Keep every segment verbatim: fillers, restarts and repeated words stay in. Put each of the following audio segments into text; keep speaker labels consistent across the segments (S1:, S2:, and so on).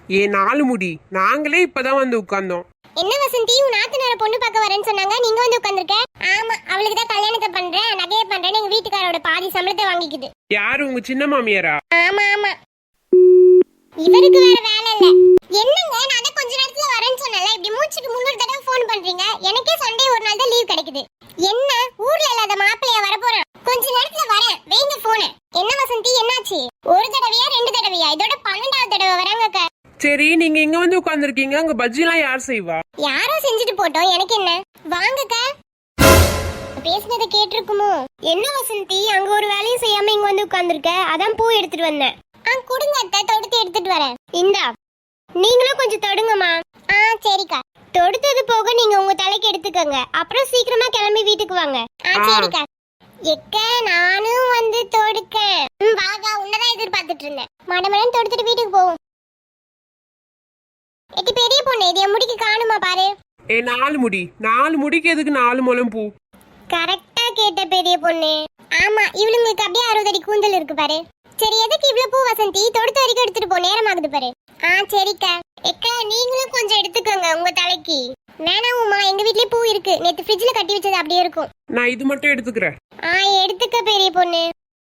S1: ஏ நாலு முடி, நாங்களே இப்பதான் வந்து உட்கார்ந்தோம்.
S2: என்ன வசந்தி, உன் நாத்தனார பொண்ணு பார்க்க வரேன்னு சொன்னாங்க, நீங்க வந்து உட்கார்ந்திருக்க? ஆமா, அவளுக்கு தான் கல்யாணத்தை பண்றேன், நகையை பண்றேன்னு எங்க வீட்டுக்காரோட பாதி சம்பளத்தை வாங்கிக்குது.
S1: யாரு, உங்க சின்ன மாமியாரா?
S2: ஆமா ஆமா, இவருக்கு வேற வேலை இல்ல. என்னங்க, நான் தான் கொஞ்ச நேரத்துல வரேன்னு சொன்னல, இப்படி மூச்சுக்கு முன்னூறு தடவை ஃபோன் பண்றீங்க. எனக்கே சண்டே ஒரு நாள் தான் லீவ் கிடைக்குது. என்ன ஊர்ல இல்லாத மாப்பிள்ளைய வர போறேன், கொஞ்ச நேரத்துல வரேன், வைங்க போன. என்ன வசந்தி, என்னாச்சு? ஒரு தடவையா ரெண்டு தடவையா? இதோட பன்னெண்டாவது தடவை வராங்க.
S1: சரி, நீங்க இங்க வந்து உட்கார்ந்திருக்கீங்க, அங்க பஜ்ஜி எல்லாம் யார் செய்வா?
S2: யாரோ செஞ்சுட்டு போட்டோம், எனக்கு என்ன. வாங்கக்க. பேசுனதை கேட்டிருக்குமோ? என்ன வசந்தி, அங்க ஒரு வேலையும் செய்யாம இங்க வந்து உட்கார்ந்திருக்க? அதான் பூ எடுத்துட்டு வந்தேன். ஆ கொடுங்க அத்தை, தொடுத்து எடுத்துட்டு வரேன். இந்தா, நீங்களும் கொஞ்சம் தொடுங்கம்மா. ஆ சரிக்கா. தொடுத்தது போக நீங்க உங்க தலைக்கு எடுத்துக்கங்க, அப்புறம் சீக்கிரமா கிளம்பி வீட்டுக்கு வாங்க. ஆ சரிக்கா. எக்க, நானும் வந்து தொடுக்க. ம் வாகா, உன்னதான் எதிர்பார்த்துட்டு இருந்தேன். மடமடன் தொடுத்துட்டு வீட்டுக்கு போவோம். எட்டி பெரிய பொண்ணு, இது என் முடிக்கு காணுமா பாரு.
S1: ஏ நாலு முடி, நாலு முடிக்கு எதுக்கு நாலு முழம் பூ?
S2: கரெக்டா கேட்ட பெரிய பொண்ணு. ஆமா, இவளுங்களுக்கு அப்படியே அறுபது அடி கூந்தல் இருக்கு பாரு. சரி, எதுக்கு இவ்வளவு பூ வசந்தி? தொடுத்த வரைக்கும் எடுத்துட்டு போ, நேரம் ஆகுது பாரு. ஆ சரிக்கா. எக்கா, நீங்களும் கொஞ்சம் எடுத்துக்கோங்க உங்க தலைக்கு. வேணாம் உமா, எங்க வீட்லயே பூ இருக்கு, நேத்து ஃப்ரிட்ஜ்ல கட்டி வச்சது அப்படியே இருக்கும்.
S1: நான் இது மட்டும் எடுத்துக்கிறேன்.
S2: ஆ எடுத்துக்க பெரிய பொண்ணு.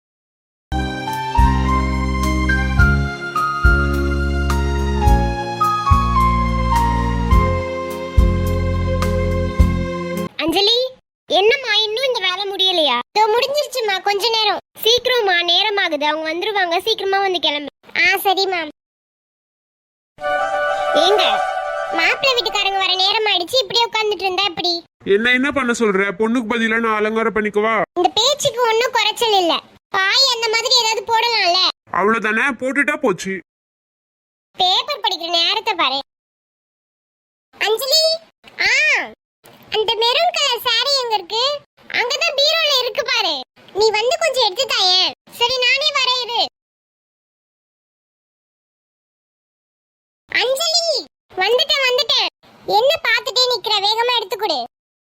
S2: அஞ்சலி, என்னம்மா இன்னும் இந்த வேலை முடியலையா? இதோ முடிஞ்சிருச்சுமா, கொஞ்ச நேரம். சீக்கிரமா, நேரம் ஆகுது, அவங்க வந்துருவாங்க, சீக்கிரமா வந்து கிளம்பு. ஆ சரி மேம். ஏங்க, மாப்பிள்ளை வீட்டுக்காரங்க வர நேரம் ஆயிடுச்சு, இப்படியே உட்கார்ந்துட்டு இருந்தா எப்படி?
S1: என்ன என்ன பண்ண சொல்ற? பொண்ணுக்கு பதிலா நான் அலங்காரம் பண்ணிக்கவா?
S2: இந்த பேச்சுக்கு ஒண்ணும் குறைச்சல் இல்ல. பாய் அந்த மாதிரி ஏதாவது போடலாம்ல.
S1: அவ்வளவுதானே, போட்டுட்டா போச்சு.
S2: பேப்பர் படிக்கிற நேரத்தை பாரு. அஞ்சலி, ஆ அந்த மெரூன் கலர் சாரி எங்க இருக்கு? அங்கதான் பீரோல இருக்கு பாரு. நீ வந்து கொஞ்சம் எடுத்து தாயே. சரி, நானே வரேன் இரு. அஞ்சலி, வந்துட்டேன் வந்துட்டேன். என்ன பாத்துட்டே நிக்கிற, வேகமா எடுத்து கொடு.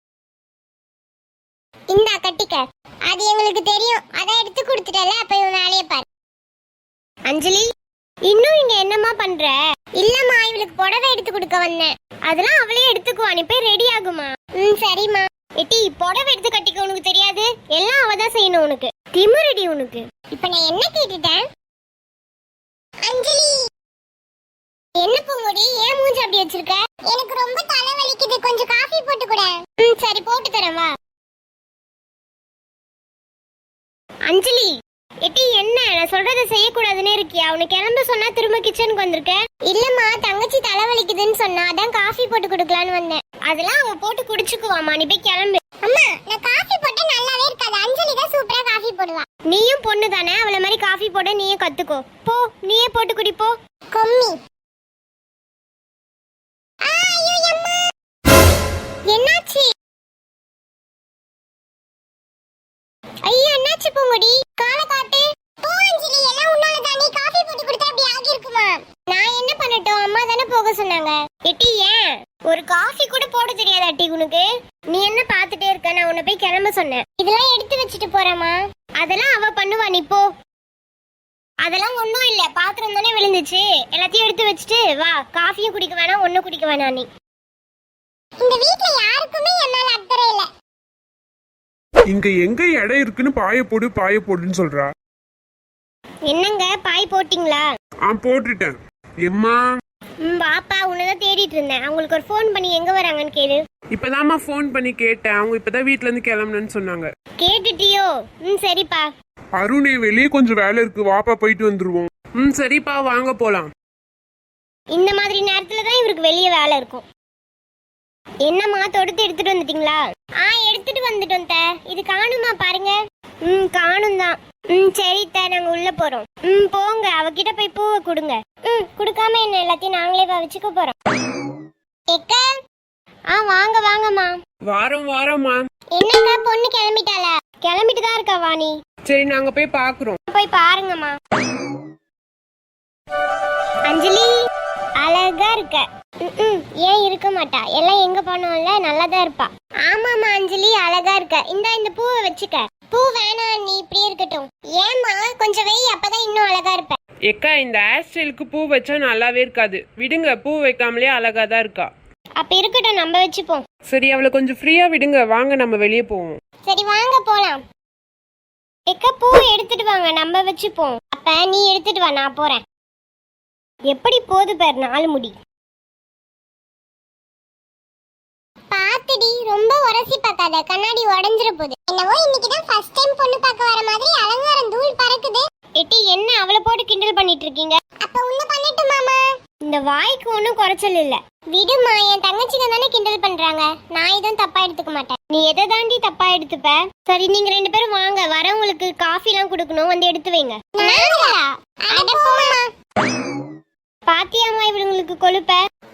S2: இந்தா கட்டிக்க. அது எங்களுக்கு தெரியும், அதான் எடுத்து கொடுத்துட்டல, அப்ப இவன் வேலையை பாரு. அஞ்சலி, இன்னும் இங்க என்னம்மா பண்ற? இல்லம்மா, இவளுக்கு புடவை எடுத்து கொடுக்க வந்தேன். அதெல்லாம் அவளே எடுத்துக்குவா, நீ போய் ரெடி ஆகுமா. ம் சரிம்மா. எட்டி, புடவை எடுத்து கட்டிக்க உனக்கு தெரியாது, எல்லாம் அவதான் செய்யணும். உனக்கு திமிரடி உனக்கு. இப்ப நான் என்ன கேட்டுட்டேன்? அஞ்சலி, என்ன பூங்குடி, ஏன் மூஞ்சி அப்படி வச்சிருக்க? எனக்கு ரொம்ப தலை வலிக்குது, கொஞ்சம் காஃபி போட்டு கொடு. ம் சரி, போட்டு தரேன் வா. அஞ்சலி, எட்டி என்ன, நான் சொல்றதை செய்யக்கூடாதுன்னு இருக்கியா? உனக்கு கிளம்ப சொன்னா திரும்ப கிச்சனுக்கு வந்திருக்க? இல்லம்மா, தங்கச்சி தலை வலிக்குதுன்னு சொன்னா, அதான் காஃபி போட்டு கொடுக்கலான்னு வந்தேன். அதெல்லாம் அவ போட்டு குடிச்சுக்குவாமா, நீ போய் கிளம்பு. அம்மா, நான் காஃபி போட்டா நல்லாவே இருக்காது, அஞ்சலி தான் சூப்பரா காஃபி போடுவா. நீயும் பொண்ணு தானே, அவளை மாதிரி காஃபி போட நீயே கத்துக்கோ போ. நீயே போட்டு குடிப்போ. கொம்மி. என்னாச்சு? ஐயோ, என்னாச்சு பூங்குடி? காலை காட்டு. போ அஞ்சலி, எல்லாம் உன்னால தான். நீ காபி போட்டு கொடுத்தா அப்படி ஆகி இருக்குமா? நான் என்ன பண்ணட்டும், அம்மா தானே போக சொன்னாங்க. எட்டி, ஏன் ஒரு காஃபி கூட போட தெரியாதா அட்டி உனக்கு? நீ என்ன பாத்துட்டே இருக்க? நான் உன்னை போய் கிளம்ப சொன்னேன். இதெல்லாம் எடுத்து வச்சுட்டு போறேம்மா. அதெல்லாம் அவ பண்ணுவா, நீ போ. அதெல்லாம் ஒண்ணும் இல்ல, பாத்திரம் தானே விழுந்துச்சு, எல்லாத்தையும் எடுத்து வச்சுட்டு வா. காஃபியும் குடிக்க வேணாம், ஒன்னும் குடிக்க வேணாம். நீ இந்த வீட்ல யாருக்குமே என் மேல அக்கறை இல்ல.
S1: இங்க எங்க இடம் இருக்குன்னு பாய போடு பாய போடுன்னு சொல்றா.
S2: என்னங்க, பாய் போட்டீங்களா?
S1: ஆ போட்டுட்டேன். எம்மா,
S2: ம் பாப்பா, உன்னதான் தேடிட்டு இருந்தேன். அவங்களுக்கு ஒரு ஃபோன் பண்ணி எங்க வராங்கன்னு கேளு.
S1: இப்பதாம்மா ஃபோன் பண்ணி கேட்டேன், அவங்க இப்பதான் வீட்ல இருந்து கிளம்பணும்னு சொன்னாங்க.
S2: கேட்டுட்டியோ? ம் சரிப்பா.
S1: அருணே, வெளியே கொஞ்சம் வேலை இருக்கு, வாப்பா போயிட்டு வந்துருவோம். ம் சரிப்பா, வாங்க போலாம்.
S2: இந்த மாதிரி நேரத்துல தான் இவருக்கு வெளியே வேலை இருக்கும். என்னம்மா, தொடுத்து எடுத்துட்டு வந்துட்டீங்களா? ஆ எடுத்துட்டு வந்துட்டோம் த. இது காணுமா பாருங்க. ம் காணும் தான். ம் சரி த, நாங்க உள்ள போறோம். ம் போங்க, அவகிட்ட போய் பூவை கொடுங்க. ம் கொடுக்காம என்ன, எல்லாத்தையும் நாங்களே வச்சுக்க போறோம். எக்கா, ஆ வாங்க வாங்கம்மா.
S1: வாரம் வாரம்மா.
S2: என்னக்கா, பொண்ணு கிளம்பிட்டாளா? கிளம்பிட்டு தான் இருக்கா வாணி.
S1: சரி, நாங்க போய் பாக்குறோம்.
S2: போய் பாருங்கம்மா. அஞ்சலி, அழகா இருக்க. ஏன் இருக்க மாட்டா? எல்லாம் எங்க போனோம்ல, நல்லாதான் இருப்பா. ஆமாமா அஞ்சலி, அழகா இருக்க. இந்தா இந்த பூவை வச்சுக்க. பூ வேணாம், நீ இப்படியே இருக்கட்டும். ஏமா, கொஞ்சம் வெய், அப்பதான் இன்னும் அழகா இருப்ப.
S1: எக்கா இந்த ஹேர் ஸ்டைலுக்கு பூ வச்சா நல்லாவே இருக்காது, விடுங்க. பூ வைக்காமலே அழகா தான் இருக்கா.
S2: அப்ப இருக்கட்டும், நம்ம வச்சுப்போம்.
S1: சரி, அவளை கொஞ்சம் ஃப்ரீயா விடுங்க, வாங்க நம்ம வெளியே போவோம்.
S2: சரி வாங்க போலாம். எக்க பூ எடுத்துட்டு வாங்க, நம்ம வச்சுப்போம். அப்ப நீ எடுத்துட்டு வா, நான் போறேன். எப்படி போது பேர் நாலு முடி. பாத்துடி, ரொம்ப உரசி பார்க்காத, கண்ணாடி உடைஞ்சிர போகுது. என்னவோ இன்னைக்கு தான் ஃபர்ஸ்ட் டைம் பொண்ணு பார்க்க வர மாதிரி அலங்காரம் தூள் பறக்குது. எட்டி என்ன அவளை போட்டு கிண்டல் பண்ணிட்டு இருக்கீங்க? அப்ப உன்ன பண்ணட்டும் மாமா. இந்த வாய்க்கு ஒன்றும் குறைச்சல் இல்ல. விடுமா, என் தங்கச்சிங்க தானே கிண்டல் பண்றாங்க, நான் எதுவும் தப்பா எடுத்துக்க மாட்டேன். நீ எதை தாண்டி தப்பா எடுத்துப்ப? சரி நீங்க ரெண்டு பேரும் வாங்க, வரவங்களுக்கு காஃபி எல்லாம் கொடுக்கணும், வந்து எடுத்து வைங்க. பாத்தியாமா இவங்களுக்கு கொழுப்ப.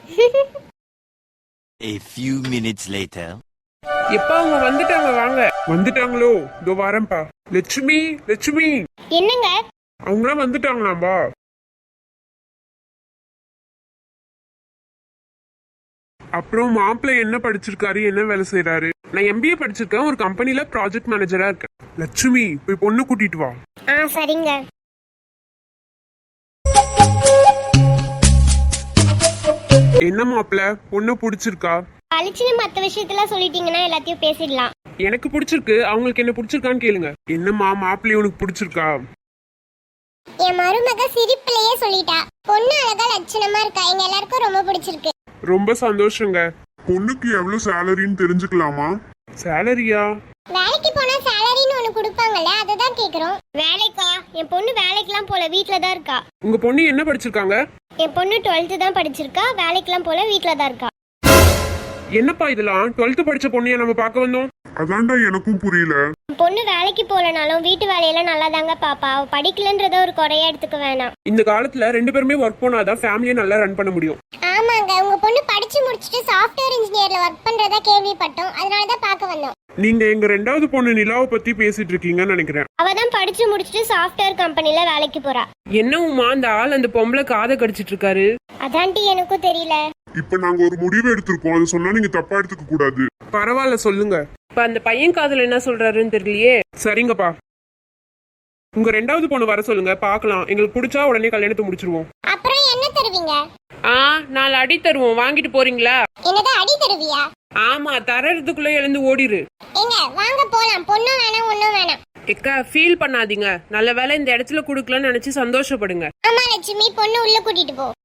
S3: A few minutes later.
S1: எப்பா அவங்க வந்துட்டாங்க, வாங்க. வந்துட்டாங்களோ? இதோ வரேன்ப்பா. லட்சுமி, லட்சுமி.
S2: என்னங்க?
S1: அவங்களாம் வந்துட்டாங்களாம்பா. அப்புறம் மாப்பிள்ளை என்ன படிச்சிருக்காரு, என்ன வேலை செய்யறாரு? நான் எம்பிஏ படிச்சிருக்கேன், ஒரு கம்பெனில ப்ராஜெக்ட் மேனேஜரா இருக்கேன். லட்சுமி, போய் பொண்ணு கூட்டிட்டு வா.
S2: ஆ சரிங்க.
S1: என்ன மாப்பிள்ள, பொண்ணு பிடிச்சிருக்கா?
S2: பளிச்சுன்னு மத்த விஷயத்தெல்லாம் சொல்லிட்டீங்கன்னா எல்லாத்தையும் பேசிடலாம்.
S1: எனக்கு பிடிச்சிருக்கு, அவங்களுக்கு என்ன பிடிச்சிருக்கான்னு கேளுங்க. என்னம்மா, மாப்பிள்ளை உனக்கு பிடிச்சிருக்கா?
S2: என் மருமக சிரிப்பிலேயே சொல்லிட்டா, பொண்ணு அழகா லட்சணமா இருக்கா, எங்க எல்லாருக்கும் ரொம்ப பிடிச்சிருக்கு.
S1: ரொம்ப சந்தோஷங்க.
S4: பொண்ணுக்கு எவ்வளவு சேலரின்னு தெரிஞ்சுக்கலாமா?
S1: சேலரியா?
S2: வேலைக்கு போனா சேலரின்னு ஒண்ணு கொடுப்பாங்கல்ல, அதுதான் கேக்குறோம். வேலைக்கா? என் பொண்ணு வேலைக்கெல்லாம் போல, வீட்ல தான் இருக்கா.
S1: உங்க பொண்ணு என்ன படிச்சிருக்காங்க?
S2: என் பொண்ணு டுவெல்த் தான் படிச்சிருக்கா, வேலைக்கெல்லாம் போல, வீட்ல தான் இருக்கா.
S1: என்னப்பா இதெல்லாம்? டுவெல்த் படிச்ச பொண்ணைய நம்ம பார்க்க வந்தோம்.
S4: அதான்டா எனக்கும் புரியல.
S2: என் பொண்ணு வேலைக்கு போலனாலும் வீட்டு வேலையெல்லாம் நல்லா தாங்க பாப்பா, அவ படிக்கலன்றத ஒரு குறையா எடுத்துக்க வேணாம்.
S1: இந்த காலத்துல ரெண்டு பேருமே ஒர்க் போனாதான் ஃபேமிலியை நல்லா ரன் பண்ண முடியும்.
S2: ஆமாங்க, உங்க பொண்ணு படிச்சு முடிச்சிட்டு சாஃப்ட்வேர் இன்ஜினியர்ல ஒர்க் பண்றதா கேள்விப்பட்டோம், அதனால தான் பார்க்க வந்தோம்.
S1: நீங்க எங்க ரெண்டாவது பொண்ணு நிலாவை பத்தி பேசிட்டு இருக்கீங்கன்னு நினைக்கிறேன்.
S2: அவ தான் படிச்சு முடிச்சிட்டு சாஃப்ட்வேர் கம்பெனில வேலைக்கு போறா.
S1: என்ன உமா, அந்த ஆள் அந்த பொம்பளை காதை கடிச்சிட்டு இருக்காரு?
S2: அதான்டி எனக்கும் தெரியல.
S4: இப்ப நாங்க ஒரு முடிவு எடுத்திருக்கோம், அது சொன்னா நீங்க தப்பா எடுத்துக்க கூடாது.
S1: பரவாயில்ல, சொல்லுங்க. இப்ப அந்த பையன் காதல என்ன சொல்றாருன்னு தெரியலையே. சரிங்கப்பா, உங்க ரெண்டாவது பொண்ணு வர சொல்லுங்க, பாக்கலாம். எங்களுக்கு பிடிச்சா உடனே கல்யாணத்தை முடிச்சிருவோம்.
S2: அப்புறம் என்ன தருவீங்க?
S1: ஆ, நாலு அடி தருவோம், வாங்கிட்டு போறீங்களா?
S2: என்னது அடி தருவியா?
S1: ஆமா, தரதுக்குள்ள எழுந்து ஓடிரு.
S2: ஏங்க வாங்க போலாம், பொண்ணும் வேணாம் ஒண்ணும் வேணாம்.
S1: எக்கா, ஃபீல் பண்ணாதீங்க. நல்ல வேலை இந்த இடத்துல குடுக்கலாம்னு நினைச்சு சந்தோஷப்படுங்க.
S2: ஆமா லட்சுமி, பொண்ணு உள்ள கூட்டிட்டு போ.